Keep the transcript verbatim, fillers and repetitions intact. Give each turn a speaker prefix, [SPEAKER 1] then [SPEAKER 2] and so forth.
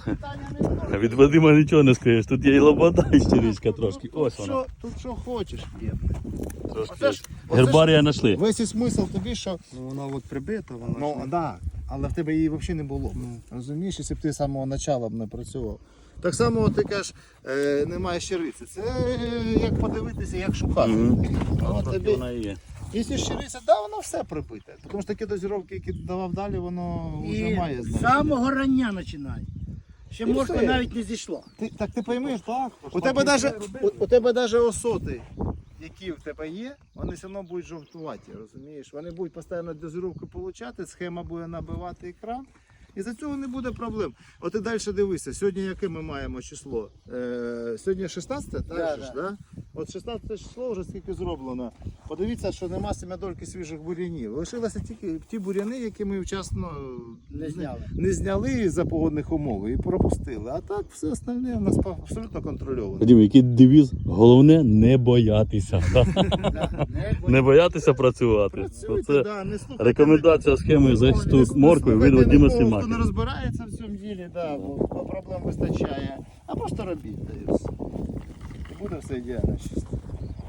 [SPEAKER 1] питання не було.
[SPEAKER 2] Від Вадима нічого не скажеш, тут є і лобода, і щиричка трошки.
[SPEAKER 1] Тут
[SPEAKER 2] Ось вона.
[SPEAKER 1] що, тут що хочеш є.
[SPEAKER 2] Трошки.
[SPEAKER 1] Оце ж- оце
[SPEAKER 2] Гербарія знайшли.
[SPEAKER 1] Весь і смисл тобі, що
[SPEAKER 3] Ну вона от прибита, вона
[SPEAKER 1] ну,
[SPEAKER 3] ж не-
[SPEAKER 1] да, але в тебе її взагалі не було. Розумієш, якщо б ти з самого початку б не працював. Так само ти кажеш, е, немає щириці. Це е, як подивитися, як шукати.
[SPEAKER 2] Мгм.
[SPEAKER 1] Воно
[SPEAKER 2] Трохи
[SPEAKER 1] тобі-
[SPEAKER 2] вона і є.
[SPEAKER 1] Якщо щириця, да, воно все прибите. Тому що такі дозіровки, які давав далі, воно вже
[SPEAKER 4] І
[SPEAKER 1] має
[SPEAKER 4] з
[SPEAKER 1] значення.
[SPEAKER 4] самого рання починай. Ще
[SPEAKER 1] І
[SPEAKER 4] морква
[SPEAKER 1] все.
[SPEAKER 4] навіть не зійшла.
[SPEAKER 1] Ти, так ти поймеш, так. У тебе даже, у, у тебе даже осоти, які в тебе є, вони все одно будуть жовтуваті, розумієш? Вони будуть постійно дозировку отримати, схема буде набивати екран. І за цього не буде проблем. От і далі дивися, сьогодні яке ми маємо число? Е, сьогодні шістнадцяте, так?
[SPEAKER 4] Да,
[SPEAKER 1] же ж,
[SPEAKER 4] да.
[SPEAKER 1] да? От шістнадцяте число вже скільки зроблено. Подивіться, що нема семядольки свіжих бур'янів. Лишилися тільки ті бур'яни, які ми вчасно
[SPEAKER 4] Не зняли.
[SPEAKER 1] не зняли за погодних умов і пропустили. А так все остальне у нас абсолютно контрольовано.
[SPEAKER 2] Вадим, який девіз? Головне не боятися.
[SPEAKER 4] Да, не
[SPEAKER 2] Не боятися працювати.
[SPEAKER 1] Працюйте,
[SPEAKER 2] Оце
[SPEAKER 1] да, не слухайте.
[SPEAKER 2] рекомендація схеми захисту моркви від
[SPEAKER 1] Слухайте
[SPEAKER 2] Вадима
[SPEAKER 1] нікого,
[SPEAKER 2] Сімака.
[SPEAKER 1] хто не розбирається в цьому ділі, да, бо бо проблем вистачає. А просто робіть, та і все. І буде все ідеально чисто.